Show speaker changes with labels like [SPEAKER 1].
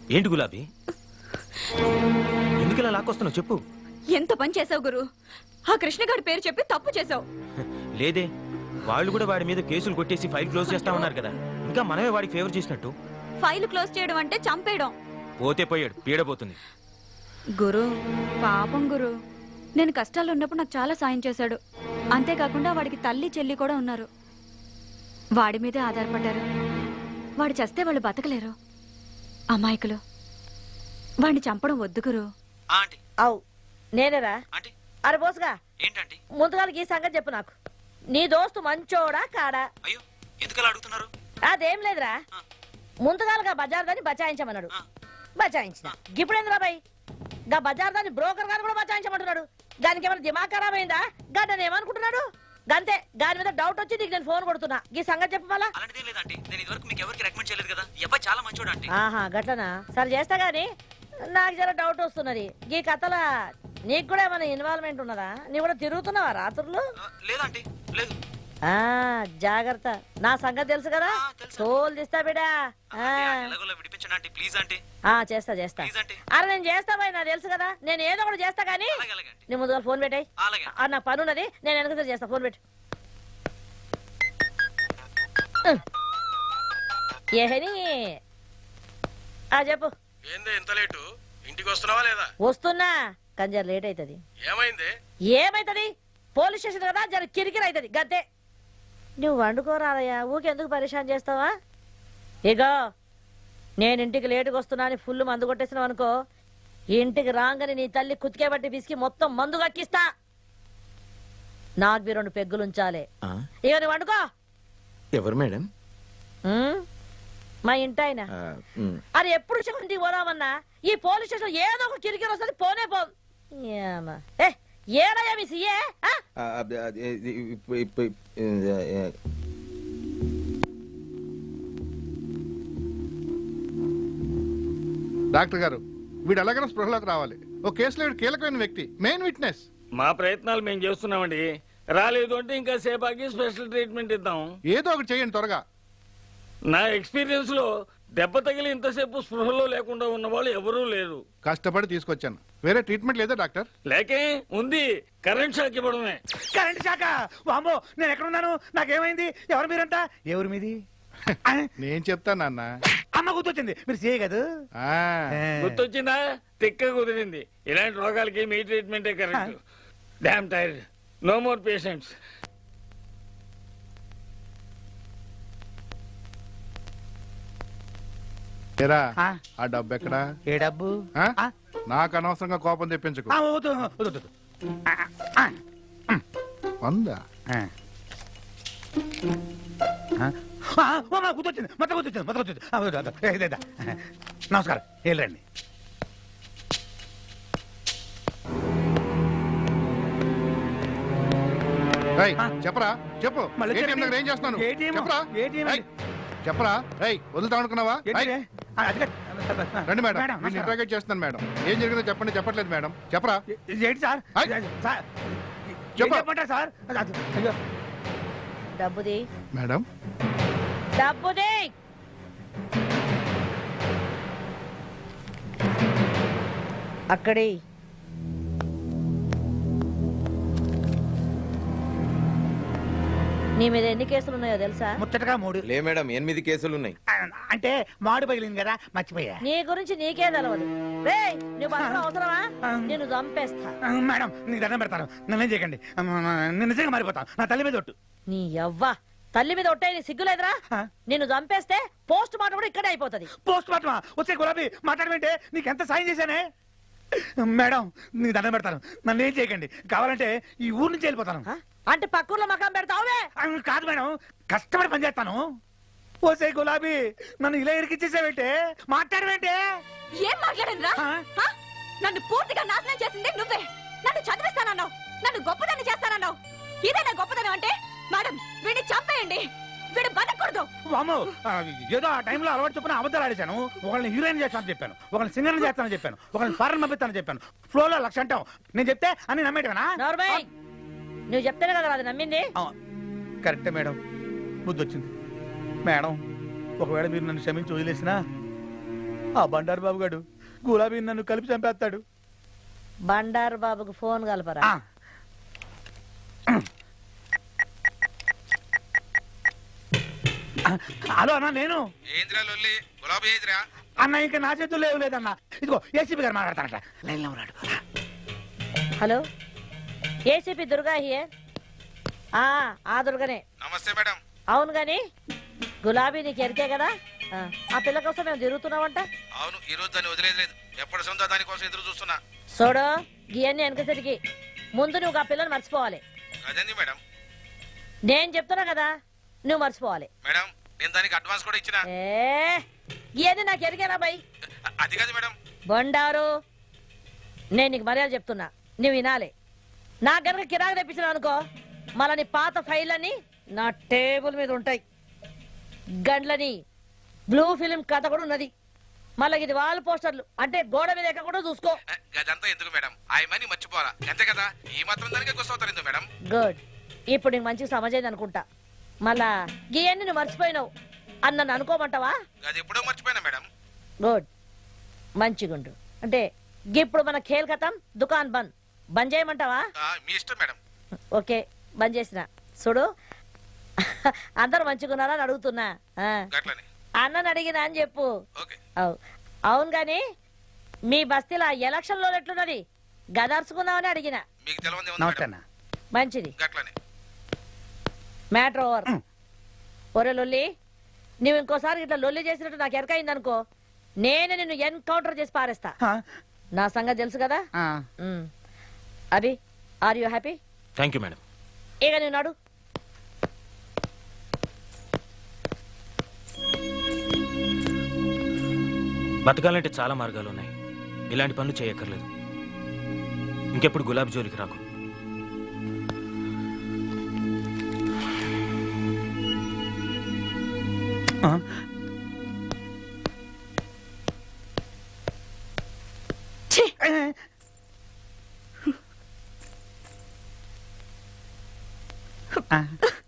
[SPEAKER 1] ఏంటి గులాబీ, ఎందుకు ఇలా లాక్కొస్తున్నావు చెప్పు.
[SPEAKER 2] ఎంత పని చేసావు గురు, ఆ కృష్ణగాడి పేరు చెప్పి తప్పు చేసావు.
[SPEAKER 1] లేదే, వాళ్ళు కూడా వాడి మీద కేసులు కొట్టేసి ఫైల్ క్లోజ్ చేస్తా ఉన్నారు కదా, ఇంకా మనమే వాడికి ఫేవర్ చేసినట్టు.
[SPEAKER 2] ఫైల్ క్లోజ్ చేయడం అంటే చంపేయడం.
[SPEAKER 1] పోతే పోయాడు, పీడపోతుంది.
[SPEAKER 2] గురు పాపం గురు, నేను కష్టాల్లో ఉన్నప్పుడు నాకు చాలా సాయం చేశాడు. అంతేకాకుండా వాడికి తల్లి చెల్లి కూడా ఉన్నారు. వాడి మీదే ఆధారపడ్డారు. వాడు చస్తే వాళ్ళు బతకలేరు. అమాయకులు. వాడిని చంపడం వద్దు గురు.
[SPEAKER 3] అవు నేనేరా? అరే బోసుగా,
[SPEAKER 1] ఏంటండి
[SPEAKER 3] ముందుగా ఈ సంగతి చెప్పు నాకు. నీ దోస్తు మంచోడా కాడా?
[SPEAKER 1] అయ్యో ఎందుకలా అడుగుతున్నారు?
[SPEAKER 3] అదేం లేదురా, ముందుగాలుగా బజార్ దాన్ని బచాయించమన్నాడు. బచాయించిన. ఇప్పుడు ఏంది బాబాయ్, గా బజార్ దాన్ని బ్రోకర్ గారు కూడా బచాయించమంటున్నాడు. దానికి ఏమైనా దిమాగ్ ఖరాబ్ అయిందా? గడ్డని ఏమనుకుంటున్నాడు? గంతే, దాని మీద డౌట్ వచ్చి నీకు నేను ఫోన్ కొడుతున్నా. ఈ సంగతి చెప్పు మళ్ళా. ఆహా గట్లనా? సరే చేస్తా గాని నాకు జర డౌట్ వస్తున్నది. ఈ కథల నీకు కూడా ఏమైనా ఇన్వాల్వ్మెంట్ ఉన్నదా? నీ కూడా తిరుగుతున్నావా రాత్రులు?
[SPEAKER 1] లేదంటే లేదు.
[SPEAKER 3] జాగ్రత్త, నా సంగతి తెలుసు కదా, తోలు తీస్తా బిడా. చేస్తా చేస్తా. అరే నేను చేస్తా బాయ్, నాకు తెలుసు కదా, నేను ఏదో ఒకటి చేస్తా గానీ నీ ముందుగా ఫోన్ పెట్టాయి. నా పని ఉన్నది, నేను వెనక చేస్తా. ఫోన్ పెట్టు. ఏహని చెప్పు.
[SPEAKER 4] ఇంటికి వస్తున్నావా లేదా?
[SPEAKER 3] వస్తున్నా, కానీ జర లేట్ అవుతుంది. ఏమైతుంది? పోలీస్ స్టేషన్ కదా, జర కిరికిరి అవుతుంది గద్దే. నువ్వు వండుకోరాదయ్యా, ఊకెందుకు పరిశాన్ చేస్తావా? ఇగో నేను ఇంటికి లేటుగా వస్తున్నా అని ఫుల్ మందు కొట్టేసినావు అనుకో, ఇంటికి రాగానే నీ తల్లి కుతికే బట్టి పిసికి మొత్తం మందు కక్కిస్తా. నాకు 2 పెగ్గులు ఉంచాలి. ఇక నువ్వు వండుకో.
[SPEAKER 1] ఎవరు మేడం?
[SPEAKER 3] మా ఇంటి ఆయన. అది ఎప్పుడు ఇంటికి పోదామన్నా ఈ పోలీస్ స్టేషన్ ఏదో ఒక కిరికిరి వస్తుంది. పోనే పో. ఏడయ్యా మీ సీఏ?
[SPEAKER 5] డాక్టర్ గారు, వీడు ఎలాగైనా స్పృహలోకి రావాలి. ఓ కేసులో వీడు కీలకమైన వ్యక్తి, మెయిన్ విట్నెస్.
[SPEAKER 4] మా ప్రయత్నాలు మేము చేస్తున్నామండి. రాలేదు అంటే ఇంకా సేపాకి స్పెషల్ ట్రీట్మెంట్ ఇద్దాం.
[SPEAKER 5] ఏదో ఒకటి చేయండి త్వరగా.
[SPEAKER 4] నా ఎక్స్పీరియన్స్ లో దెబ్బ తగిలి ఇంతసేపు స్పృహలో లేకుండా ఉన్న వాళ్ళు ఎవరూ లేరు.
[SPEAKER 5] కష్టపడి తీసుకొచ్చాను. వేరే ట్రీట్మెంట్ లేదా డాక్టర్?
[SPEAKER 4] లేకే ఉంది, కరెంట్ షాక్ ఇవ్వడమే.
[SPEAKER 6] Current shock? వామ్మో, నేను ఎక్కడున్నాను? నాకేమైంది? ఎవరు మీరంతా? ఎవరు మీది?
[SPEAKER 5] నేను చెప్తాను నాన్న.
[SPEAKER 6] అమ్మ గుర్తొచ్చింది, మీరు చేయగదు.
[SPEAKER 4] గుర్తొచ్చిందా? తిక్క కుదిరింది. ఇలాంటి రోగాలకి మీ ట్రీట్మెంటే correct. Damn tired, no more patients.
[SPEAKER 5] ఆ డబ్బు ఎక్కడా?
[SPEAKER 6] ఏ డబ్బు?
[SPEAKER 5] నాకు అనవసరంగా కోపం తెప్పించకు. 100
[SPEAKER 6] గుర్తొచ్చింది, మొత్తం గుర్తొచ్చింది. నమస్కారం, వెళ్ళండి.
[SPEAKER 5] చెప్పరా, చెప్పు. ఏం చేస్తున్నాను చెప్పరా? వదులుతా అనుకున్నావా? రండి మేడం, ఇంట్రాగేట్ చేస్తున్నాను మేడం. ఏం జరిగిందో చెప్పండి. చెప్పట్లేదు మేడం, చెప్పరా?
[SPEAKER 6] ఏంటి సార్? చెప్పమంటారు సార్?
[SPEAKER 3] డబ్బుది
[SPEAKER 5] మేడం,
[SPEAKER 3] డబ్బుది. అక్కడి నీ మీద ఎన్ని కేసులు ఉన్నాయో తెలుసా?
[SPEAKER 6] ముచ్చటగా 3.
[SPEAKER 1] లే మేడం, 8 కేసులు ఉన్నాయి.
[SPEAKER 6] అంటే మాడు పగిలింది కదా, మర్చిపోయా.
[SPEAKER 3] నీ గురించి నీకే తెలవదు. రేయ్, నువ్వు అవసరమా? నేను చంపేస్తా.
[SPEAKER 6] మేడం, నీకు దండం పెడతాను, నన్నేం చేయకండి. నేను నిజంగా మారిపోతాను. నా తల్లి మీద ఒట్టు.
[SPEAKER 3] నీ యవ్వ తల్లి మీద ఒట్టే, నీ సిగ్గులేదురా? నిన్ను చంపేస్తే పోస్ట్ మార్టం కూడా ఇక్కడే అయిపోతుంది.
[SPEAKER 6] పోస్ట్ మార్టమా? వచ్చే గులాబీ మాట్లాడమంటే నీకెంత సాయం చేశానే. మేడం, నీకు దండం పెడతాను, నన్ను ఏం చేయకండి. కావాలంటే ఈ ఊరు నుంచి వెళ్ళిపోతాను.
[SPEAKER 3] అంటే పక్కూర్లో మకాం పెడతావులే?
[SPEAKER 6] కాదు మేడం, కష్టపడి పని చేస్తాను. ఓసే గులాబీ, నన్ను ఇలా ఇరికిచ్చేసావేంటే? మాట్లాడవేంటే?
[SPEAKER 2] ఏం మాట్లాడనురా? నన్ను పూర్తిగా నాశనం చేసింది నువ్వే. నన్ను చదివిస్తానన్నావు, నన్ను గొప్పదాన్ని చేస్తానన్నావు. ఇదేనా గొప్పదనం అంటే? మేడం, వీడిని చంపేయండి, వీడు బతకూడదు.
[SPEAKER 6] వామ్మో, ఏదో ఆ టైంలో అలవాటు చొప్పున అబద్ధాలు ఆడేశాను. ఒకళ్ళని హీరోయిన్ చేస్తానని చెప్పాను, ఒకళ్ళని సింగర్ చేస్తానని చెప్పాను, ఒకళ్ళని ఫారెన్ పంపిస్తానని చెప్పాను. ఫ్లోలో 1,00,000 అంటావు. నేను చెప్తే అన్ని నమ్మేటవేనా?
[SPEAKER 3] నువ్వు చెప్తేనే కదా అది నమ్మింది.
[SPEAKER 6] కరెక్టే మేడం, బుద్ధి వచ్చింది. మేడం, ఒకవేళ మీరు నన్ను క్షమించి వదిలేసినా ఆ బండారు బాబు గారు గులాబీ నన్ను కలిపి చంపేస్తాడు.
[SPEAKER 3] బండారు బాబుకు ఫోన్ కలపరా.
[SPEAKER 6] ఆ. హలో అన్న, నేను అన్న ఇంకా నా చేతుల్లో ఏం లేదన్నా. ఇదిగో ఏసీపీ గారు మాట్లాడతారట. లైన్లో ఉన్నాడు.
[SPEAKER 3] Hello, ACP Durga here. ఆ దుర్గనే.
[SPEAKER 7] నమస్తే మేడం.
[SPEAKER 3] అవును గాని గులాబీ నీకు ఎరికే కదా, ఆ పిల్ల కోసం మేము తిరుగుతున్నామంట.
[SPEAKER 7] అవును, ఈ రోజు దాన్ని వదిలేదు. ఎప్పటి సొంత దానికోసం ఎదురు చూస్తున్నా.
[SPEAKER 3] చూడు, గియన్ని వెనకసరికి ముందు నువ్వు ఆ పిల్లని మర్చిపోవాలి.
[SPEAKER 7] అదేంది మేడం?
[SPEAKER 3] నేను చెప్తున్నా కదా, నువ్వు మర్చిపోవాలి.
[SPEAKER 7] మేడం, నేను దానికి అడ్వాన్స్ కూడా ఇచ్చిన.
[SPEAKER 3] గియన్ని నాకు ఎరికేనా బై?
[SPEAKER 7] అది కాదు మేడం.
[SPEAKER 3] బండారు, నేను నీకు మర్యాద చెప్తున్నా, నువ్వు వినాలి. నా గనక కిరాయి తెప్పించిన అనుకో, మళ్ళీ నీ పాత ఫైళ్ళని నా టేబుల్ మీద ఉంటాయి. గండ్లని బ్లూ ఫిలిం కథ కూడా ఉన్నది. మళ్ళీ ఇది వాల్ పోస్టర్లు అంటే గోడ మీద ఎక్క కూడా చూసుకో.
[SPEAKER 7] గదంతా ఎందుకు మేడం? ఆ మనీ మర్చిపోవాలా అంతే కదా? ఈ మాత్రం దానికే గుర్తవుతారు ఎందుకు మేడం?
[SPEAKER 3] గుడ్, ఇప్పుడు నీకు మంచిగా సమజైంది అనుకుంటా. మళ్ళా గియన్ని నువ్వు మర్చిపోయినావు అని నన్ను అనుకోమంటావా?
[SPEAKER 7] అది ఎప్పుడో మర్చిపోయినా మేడం.
[SPEAKER 3] గుడ్, మంచిగుండు. అంటే ఇప్పుడు మన ఖేల్ ఖతం, దుకాన్ బంద్. బంద్ చేయమంటావా?
[SPEAKER 7] మీ ఇష్టం మేడం.
[SPEAKER 3] ఓకే, బంద్ చేసిన. చూడు, అందరు మంచిగున్నారా అని అడుగుతున్నా.
[SPEAKER 7] గట్లని
[SPEAKER 3] అన్నని అడిగినా అని చెప్పు.
[SPEAKER 7] ఓకే.
[SPEAKER 3] అవును గాని మీ బస్తీలో ఎలక్షన్ లో ఎట్లున్నది? గదర్చుకుందామని అడిగిన.
[SPEAKER 7] మీకు తెలవంది
[SPEAKER 6] నమస్తే అన్న.
[SPEAKER 3] మంచిది,
[SPEAKER 7] గట్లని
[SPEAKER 3] మ్యాటర్ ఓవర్. ఒరే లొల్లి, నువ్వు ఇంకోసారి ఇట్లా లొల్లి చేసినట్టు నాకు ఎరకైంది అనుకో, నేనే నిన్ను ఎన్కౌంటర్ చేసి పారేస్తా. నా సంగతి తెలుసు కదా. Abhi, are you happy?
[SPEAKER 1] Thank you madam.
[SPEAKER 3] ఇక నువ్వు నడు.
[SPEAKER 1] బతకాలంటే చాలా మార్గాలు ఉన్నాయి. ఇలాంటి పనులు చేయక్కర్లేదు. ఇంకెప్పుడు గులాబీ జోలికి రాకు.
[SPEAKER 6] ఆ.